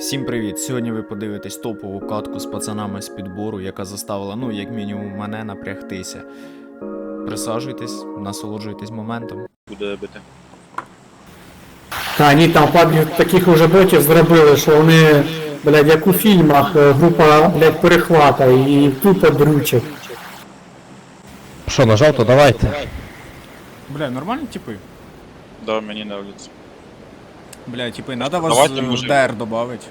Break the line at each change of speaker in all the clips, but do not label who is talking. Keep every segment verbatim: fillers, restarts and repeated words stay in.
Всім привіт! Сьогодні ви подивитесь топову катку з пацанами з підбору, яка заставила, ну, як мінімум, мене напрягтися. Присаджуйтесь, насолоджуйтесь моментом.
Буде бити.
Та ні, там парні таких уже ботів зробили, що вони, блядь, як у фільмах, е, група, блядь, перехвата і тупо дрючать.
Що, нажав, то давайте.
Бля, нормальні типи?
Да, мені нравится.
Бля, типи, надо вас
Давайте,
в
мужик.
ДР добавить.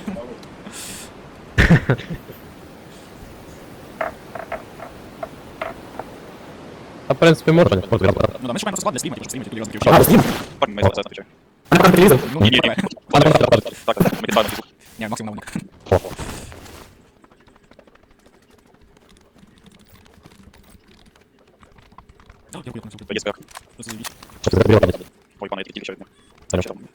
А в принципі можна.
Ну, да, ми шукаємо склад для стріму, типу, стріму, тільки я
А,
закрив.
з ним?
Парень, має це отвечаю.
Вона там прилізла.
Ну,
Ні,
ні,
ні.
ні.
Так, ми підпалимо звук.
Ні, максимум на Дякую, на
Є спех. Ой, пане, я тільки ще одне. Що там?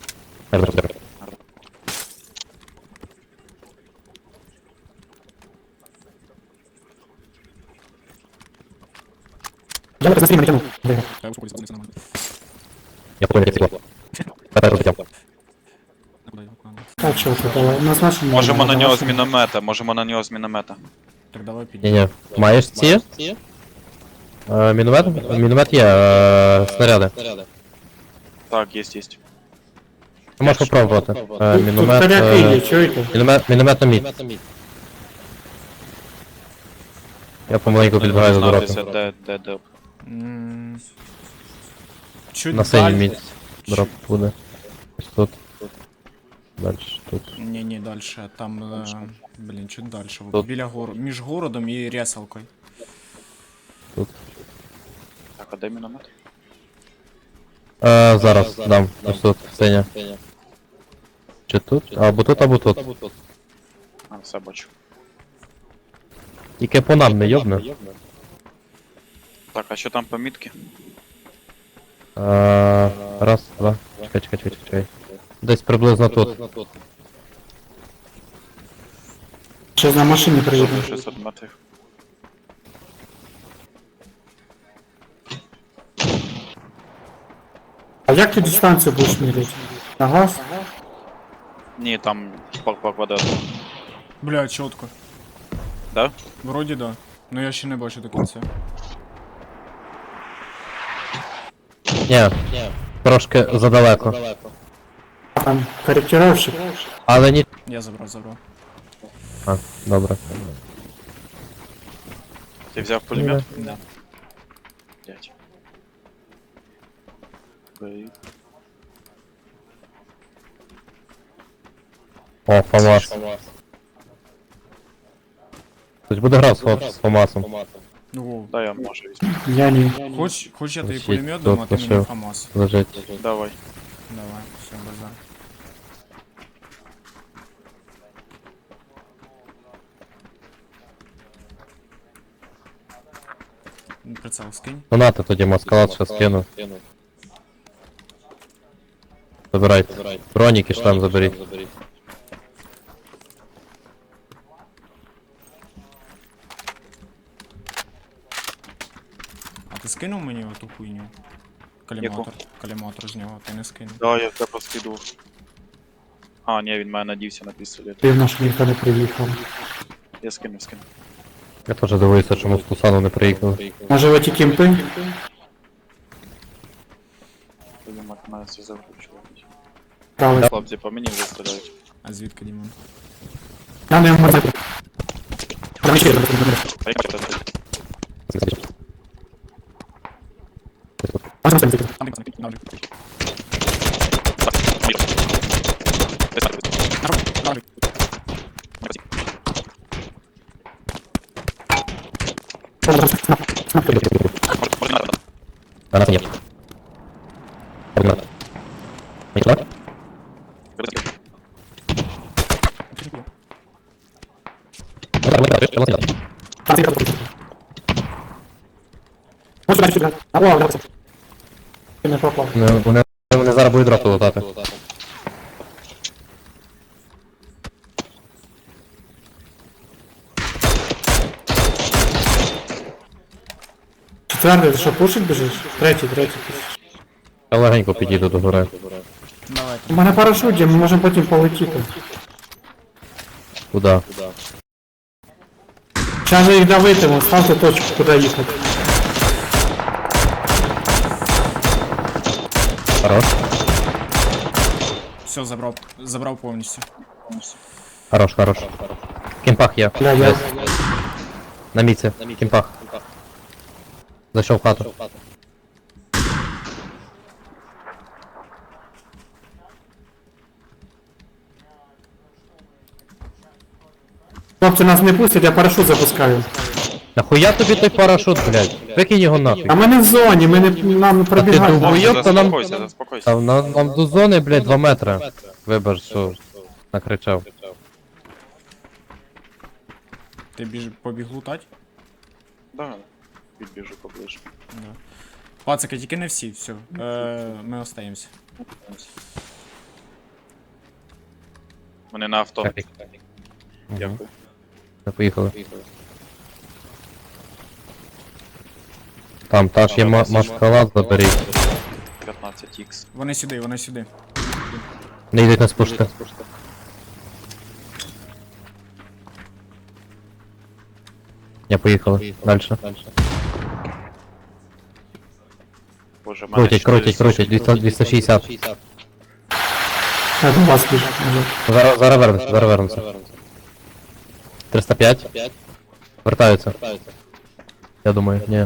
Я на стрім натягнув.
Я успокоюсь, це нормально.
Я понял, як цикло. Тепер розбитям.
А куди його? А, ну.
Так, що тут, але у нас машина.
Можемо на нього з
машина.
міномета, можемо на нього з міномета.
Так, давай підійдемо.
Ні-ні. Маєш ці? Е, Міномет? Міномет є, е, снаряди.
Так, є, є.
Ти можеш попробувати. Е,
Тут, тут
Міномет,
таряки є,
е,
чуєте?
міномет, міномет на мід. Я помаленьку підбираю за
Знатися,
дорогу.
де, де, де.
М, Чуть
На синій
далі.
мід дроп буде. Ось тут. Дальше тут.
Ні, ні, дальше. Там, е, блін, чуть дальше.
Тут.
Біля гору. Між городом і ресалкою.
Так, а де міномет?
Е, зараз дам. Ось тут, синя. Чи тут? Або тут, або тут.
А, все бачу.
Тільки по нам не йобне.
Так, а що там по мітки?
Е, раз, два. Чекай, чекай, чекай, чекай. Десь приблизно тут.
Ще на машині приїдемо.
шістсот метрів.
А як ти дистанцію будеш міряти? На газ?
Ні, там по, по квадрату.
Бля, чітко.
Да?
Вроді да. Ну я ще не бачу до кінця.
Ні, трошки задалеко.
Там корректировщик.
Але ні.
Я забрав, забрав.
А, добре.
Ти взяв пулемет?
Да.
Дядь. Бей.
О, ФАМАС. Хтось буде грати з Фо- з ФАМАСом.
Ого.
Да, я можу візьму.
Я не.
Хоч, хоч я тобі
Ось
пулемет
тут
дам, а ти мені
лишив.
ФАМАС.
Лежить.
Давай.
Давай, все, базар. Ну, прицел скинь.
Ну нате тоді маскалат ще скину. Забирайте. Броніки ж там заберіть.
А ти скинув мені оту хуйню? Каліматор. Каліматор з нього, ти не скинув.
Да, я тебе поскиду. А, ні, він має надівся на пістолет.
Дивно, що ніхто не приїхав.
Я скину, скину.
Я теж дивуюся, чому з Тусану не приїхали.
Може ви ті кімпи?
Пулемет має все закручувати.
Правильно.
Хлопці, по мені вже стріляють.
А звідки Дімон?
Я не можу. Там ще є.
А як це?
Можна там зайти?
Там ти пацани, на ролик.
Так, мік. Ти сам вийди.
На ролик, на ролик.
Не паці.
Можна там снап. Снап тобі.
Може, може, не надо.
А нас нет. Одна. Нічого?
Вибачте.
Ну так, ми так, що нас нет.
Там зайти тобі. Можна далі сюди. А, о, давай. Ти не попав.
Ну, Вони, вони зараз будуть дропи лутати.
Четвертий, ти що, пушить біжиш? Третій, третій.
Я легенько підійду до гори.
Давай.
У мене парашут є, ми можемо потім полетіти.
Куда?
Сейчас же їх давитиму, ставте точку, куди їхати.
Хорош.
Все, забрав, забрав повністю.
Хорош, хорош. Кімпах є.
Бля, я...
На міці. Кімпах. Зайшов в хату.
Хлопці нас не пустять, я парашут запускаю.
Нахуя тобі той парашут, блядь? Викинь його нахуй.
А ми не в зоні, ми не, нам не пробігаємо.
думав,
Хлопці,
Хуйоб, то нам-
заспокойся, заспокойся.
Там, на, нам до зони, блядь, два метри. Вибач, що накричав.
Ти біж... побіг лутать?
Да, підбіжу поближче.
Да. Пацаки, тільки не всі, все. Е, ми остаємося.
Вони на авто.
Капік.
Дякую.
Ми поїхали. Там, та ж є ма- маскалад, заберіть.
п'ятнадцять ікс.
Вони сюди, вони сюди.
Не йдуть нас пушити. Я поїхали. Дальше.
Боже, в мене
Крутять, крутять, крутять. двісті двісті шістдесят.
Я до вас біжу.
Зараз, зараз вернемося, зараз вернемося. триста п'ять. Вертаються. Я думаю, ні.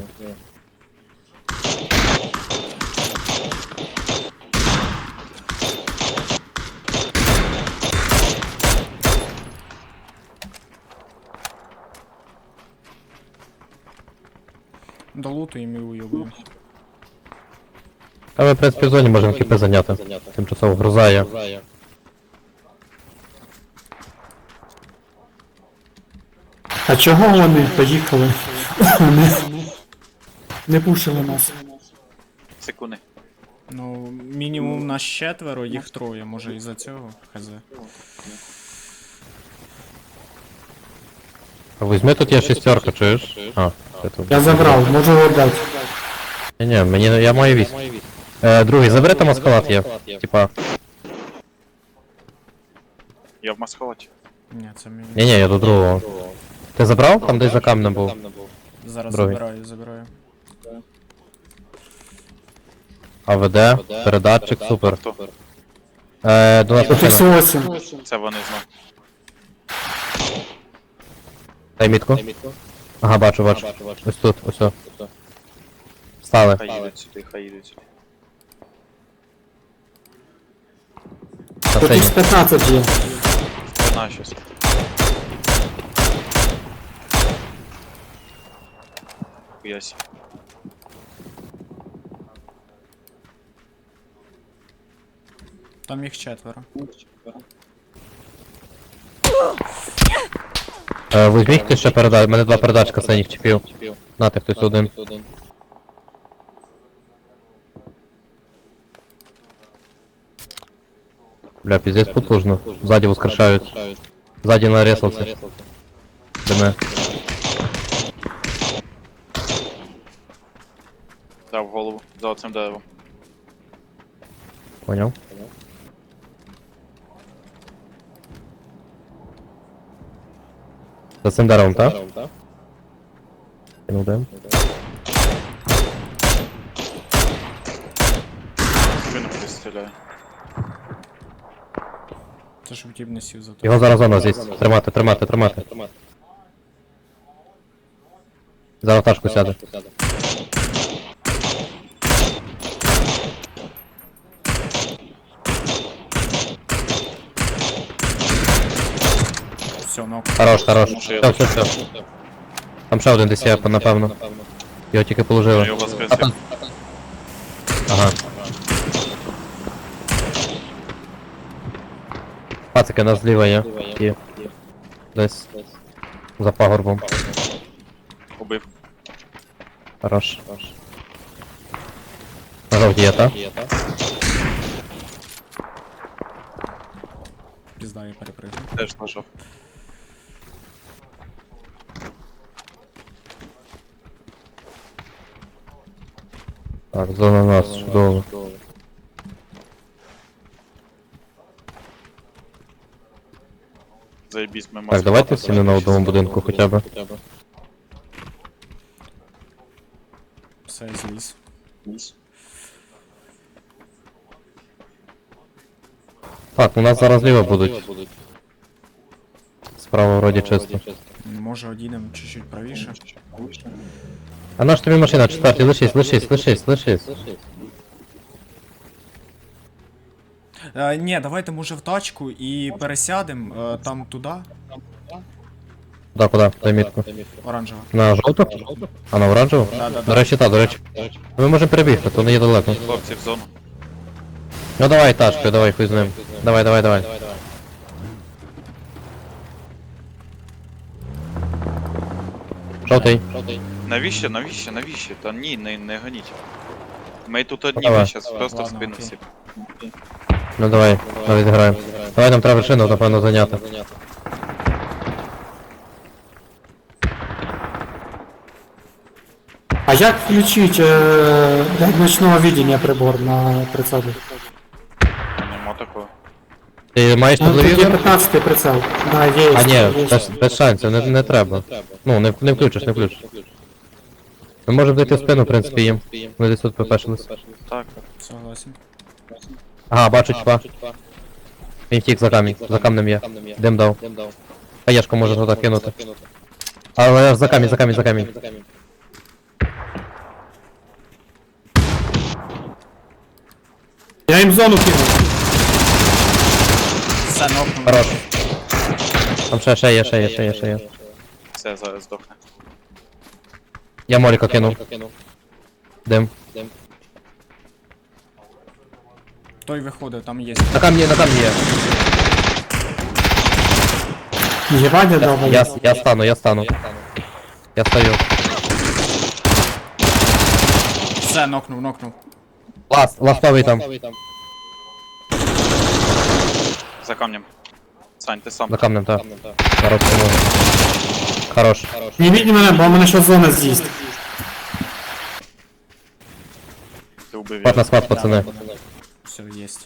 Долутуємо і уйобуємо.
А ми, в принципі, в зоні можемо кіпи зайняти. Тимчасово грузає.
А чого вони поїхали? Вони не пушили нас.
Секунди.
Ну, мінімум нас четверо, їх троє, може із-за цього, хз.
А візьми, тут є шестерка, чуєш? А, це тут.
Я забрав, можу віддати.
Ні, ні, мені, я маю вісім. Е, другий, забери там маскалад є. Типа,
Я в маскалаті.
Ні, це мені.
ні, ні, я до другого. Ти забрав? Там десь за камнем був.
Зараз
другий.
забираю, забираю.
АВД, передатчик, супер.
Авто.
Е, до нас
Тут
машина.
ікс вісім.
Це вони знов.
Дай мітку. Ага, бачу, бачу. Ось тут, ось тут. Стали.
Хай їдуть сюди, хай їдуть сюди.
На
Тут
сцені.
ікс п'ятнадцять є.
Спина щось. Хуясі.
Там їх четверо.
Е, візьміть ти ще передач, у мене два передачка синіх чіпів. Нате хтось один. Бля, пиздец потужно. Сзади воскрешають. Сзади нарезался. Диме.
Дав голову. За оцим деревом.
Понял. За цим деревом, так? Кинув дим.
Спину пристріляє.
Це ж втіб не сів за то.
Його зараз зона здесь. Тримати, тримати, тримати. Зараз ташку сяде.
Все, ну.
Хорош, хорош.
Ще
Все, все, все. Там ще один десь є, напевно. Його тільки
Я
положили.
його воскресив.
Ага. Пацики, у нас зліва є. Є. Десь. За пагорбом.
Убив.
Хорош. На жовті є, так?
Пізда, я перепригну.
Теж нажав.
Так, зона нас, чудово.
Заєбісь, ми
Так, давайте всі не на одному будинку хоча б.
Все, зліз.
Так, у нас зараз зліва будуть. Справа вроді чисто.
Може одійдемо чуть-чуть правіше.
А наш тобі машина, четвертий, лишись, лишись, лишись, лишись.
Е, ні, давайте може в тачку і пересядемо е, там туди,
Да, куди? Дай мітку.
оранжева.
На жовту? А на оранжеву?
Да, да,
До
да.
речі, так, до речі. Ми можемо перебігти, то не є далеко.
Хлопці в зону.
Ну давай тачкою, давай, хуй з ним. Давай, давай, давай. Жовтий.
Навіщо, навіщо, навіщо? Та ні, не, не гоніть. Ми тут одні,
Давай.
ми щас просто в
Ладно,
спину
окей.
всі.
Ну давай, давай зіграємо. Давай нам треба вершину, напевно, зайняти.
А як включить е, блядь, ночного видения прибор на прицелі?
Нема такого.
Ти маєш
Ну, тут є
телевізор?
п'ятнадцятий прицел. Да, є.
А
є.
ні, без, без шансів, не, не треба. Ну, не, не включиш, не включиш. Ми можемо зайти в спину, в принципі, їм. Ми десь тут попешились.
Так,
Согласен.
Ага, бачу чпа. Він втік за камінь, за камнем є. Дим дав. Хаєшку може туди кинути. Але за камінь, за камінь, за камінь.
Я їм зону кинув.
Все, нокнув.
Хорош. Там ще, ще є, ще є, ще є, ще є.
все, зараз здохне.
Я моліка кинув. Дим.
Той виходив, там є.
На камні, на камні є.
Єбаня дав.
Я, я стану, я стану. Я стою.
Все, нокнув, нокнув.
Ласт, ластовий там.
За камнем. Сань, ти сам.
За камнем, так. Зараз поможу. Хорош.
Не біть мене, бо мене ще зона з'їсть.
Ти убив
Спад на
його.
спад, пацани.
Все, єсть.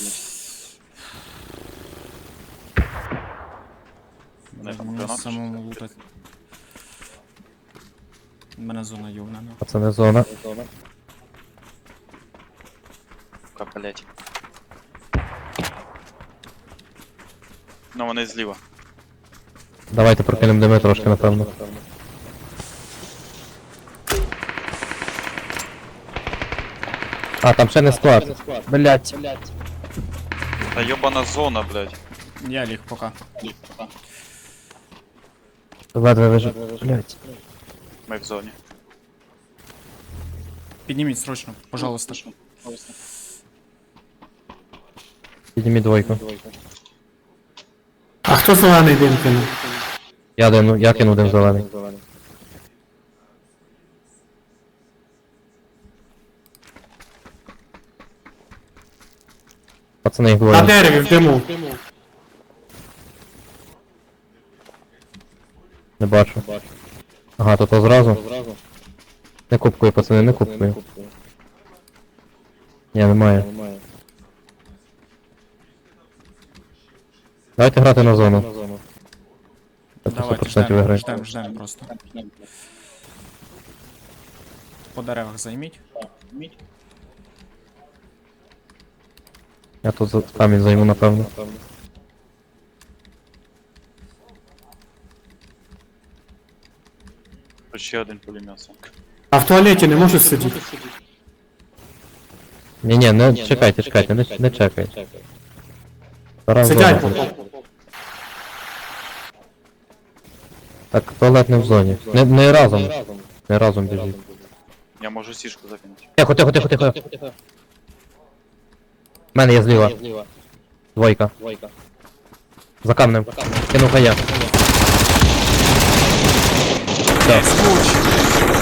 Мене там
Мені
гранат.
самому лутати. У мене зона югнена.
Пацани, зона.
Сука, блять. Ну вони зліва.
Давайте прокинемо дими трошки, напевно. А, там ще не склад. Блять.
Та йобана зона, блять.
Я ліг пока.
Ледве вижив. Блять.
Ми в зоні.
Підніміть срочно, пожалуйста.
Підніміть двойку.
А хто зелений дим кинув?
Я дину, я кину дим зелений. Пацани, їх
На
двоє.
дереві в диму.
Не бачу. Ага, то то зразу. Не купкою, пацани, не купкою. Ні, немає. Давайте грати на зону. Так,
Давайте
почнете
ждемо,
виграти.
ждемо, ждемо просто. По деревах займіть.
Я тут за- камінь займу, напевно.
Тут ще один пулемет. Сань.
А в туалеті не можеш сидіти?
Ні, ні, не чекайте, чекайте, не, не чекайте. Зараз
Сидять
зона.
поки.
Так, туалет не в зоні. Не, не разом. Не разом біжіть.
Я можу сішку закинути.
Тихо, тихо, тихо, тихо. В мене є зліва. Двойка. За камнем. Кинув хая. Все.
Скуч!